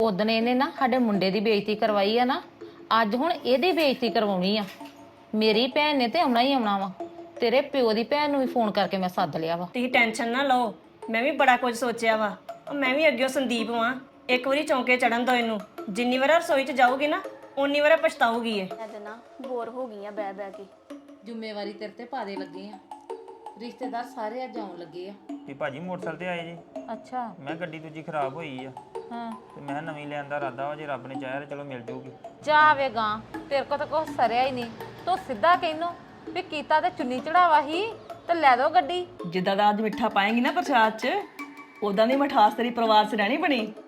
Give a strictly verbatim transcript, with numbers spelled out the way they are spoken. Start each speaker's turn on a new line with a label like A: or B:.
A: ਉਦਣ ਇਹਨੇ ਨਾ ਸਾਡੇ ਮੁੰਡੇ ਦੀ ਬੇਇੱਜ਼ਤੀ ਕਰਵਾਈ ਆ ਨਾ, ਅੱਜ ਹੁਣ ਇਹਦੀ ਬੇਇੱਜ਼ਤੀ ਕਰਵਾਉਣੀ ਆ। ਮੇਰੀ ਭੈਣ ਨੇ ਤੇ ਆਉਣਾ ਹੀ ਆਉਣਾ ਵਾ। ਤੇਰੇ ਪਿਓ ਦੀ ਭੈਣ ਨੂੰ ਵੀ ਫੋਨ ਕਰਕੇ ਮੈਂ ਸੱਦ ਲਿਆ ਵਾ।
B: ਤੁਸੀਂ ਟੈਨਸ਼ਨ ਨਾ ਲਓ, ਮੈਂ ਵੀ ਬੜਾ ਕੁਝ ਸੋਚਿਆ ਵਾ। ਉਹ ਮੈਂ ਵੀ ਅੱਗੇ ਸੰਦੀਪ ਵਾਂ, ਇੱਕ ਵਾਰੀ ਚੌਂਕੇ ਚੜਨ ਦੋ ਇਹਨੂੰ। ਜਿੰਨੀ ਵਾਰ ਰਸੋਈ 'ਚ ਜਾਊਗੀ ਨਾ ਓਨੀ ਵਾਰ ਪਛਤਾਊਗੀ ਇਹ।
C: ਮੈਂ ਤੇ ਨਾ ਬੋਰ ਹੋ ਗਈ ਆ ਬਹਿ ਬਹਿ ਕੇ।
A: ਜ਼ਿੰਮੇਵਾਰੀ ਤੇਰੇ ਤੇ ਪਾ ਦੇ ਲੱਗੇ ਆ, ਰਿਸ਼ਤੇਦਾਰ ਸਾਰੇ ਅੱਜ ਆਉਣ ਲੱਗੇ ਆ।
D: ਤੇ ਭਾਜੀ ਮੋਟਰਸਾਈਕਲ ਤੇ ਆਏ ਜੀ।
A: ਅੱਛਾ।
D: ਮੈਂ ਗੱਡੀ ਦੂਜੀ ਖਰਾਬ ਹੋਈ ਆ
A: ਹਾਂ
D: ਤੇ ਮੈਂ ਨਵੀਂ ਲੈਣ ਦਾ ਇਰਾਦਾ ਵਾ, ਜੇ ਰੱਬ ਨੇ ਚਾਹਿਆ ਤਾਂ ਚਲੋ ਮਿਲ ਜੂਗੀ।
A: ਜਾਵੇ ਗਾਂ, ਤੇਰੇ ਕੋ ਤਾਂ ਕੁਛ ਸਰਿਆ ਹੀ ਨਹੀਂ। ਤੂੰ ਸਿੱਧਾ ਕਹਿਨੋ ਵੀ ਕੀਤਾ ਤੇ ਚੁੰਨੀ ਚੜਾਵਾ ਹੀ ਤੇ ਲੈ ਦੋ ਗੱਡੀ।
B: ਜਿੱਦਾਂ ਦਾ ਅੱਜ ਮਿੱਠਾ ਪਾਏਂਗੀ ਨਾ ਪ੍ਰਸ਼ਾਦ 'ਚ, ਉਦਾਂ ਦੀ ਮਠਾਸ ਤੇਰੀ ਪਰਿਵਾਰ 'ਚ ਰਹਿਣੀ ਬਣੀ।